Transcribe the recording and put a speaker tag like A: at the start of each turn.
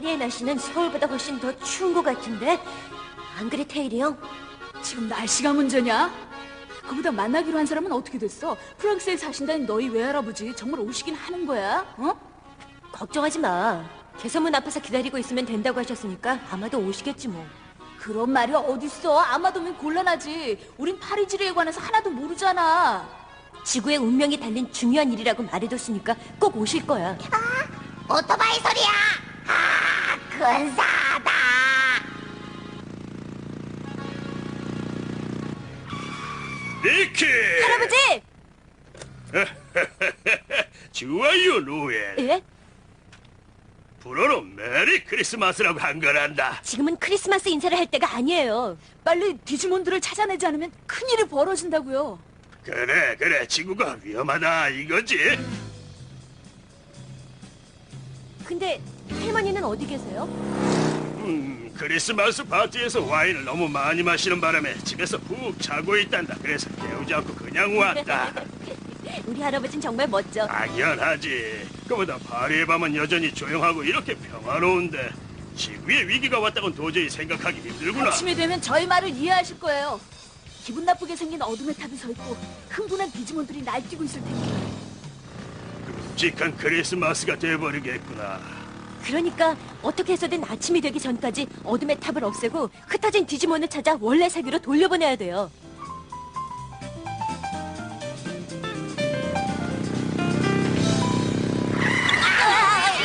A: 파리의 날씨는 서울보다 훨씬 더 추운 것 같은데? 안 그래, 테일이 형?
B: 지금 날씨가 문제냐? 그보다 만나기로 한 사람은 어떻게 됐어? 프랑스에 사신다는 너희 외할아버지 정말 오시긴 하는 거야? 어?
A: 걱정하지 마. 개선문 앞에서 기다리고 있으면 된다고 하셨으니까 아마도 오시겠지 뭐.
B: 그런 말이 어딨어? 아마도면 곤란하지. 우린 파리지리에 관해서 하나도 모르잖아.
A: 지구의 운명이 달린 중요한 일이라고 말해뒀으니까 꼭 오실 거야.
C: 오토바이 소리야! 아, 근사하다!
D: 니키!
A: 할아버지!
D: 좋아요, 노엘.
A: 예?
D: 불어로 메리 크리스마스라고 한 거란다.
A: 지금은 크리스마스 인사를 할 때가 아니에요.
B: 빨리 디지몬들을 찾아내지 않으면 큰일이 벌어진다고요.
D: 그래, 지구가 위험하다 이거지?
A: 근데 할머니는 어디 계세요?
D: 크리스마스 파티에서 와인을 너무 많이 마시는 바람에 집에서 푹 자고 있단다. 그래서 깨우지 않고 그냥 왔다.
A: 우리 할아버진 정말 멋져.
D: 당연하지. 그보다 파리의 밤은 여전히 조용하고 이렇게 평화로운데 지구에 위기가 왔다곤 도저히 생각하기 힘들구나.
B: 아침이 되면 저희 말을 이해하실 거예요. 기분 나쁘게 생긴 어둠의 탑이 서 있고 흥분한 디지몬들이 날뛰고 있을 테니까.
D: 끔찍한 크리스마스가 돼버리겠구나.
A: 그러니까 어떻게 해서든 아침이 되기 전까지 어둠의 탑을 없애고 흩어진 디지몬을 찾아 원래 세계로 돌려보내야 돼요.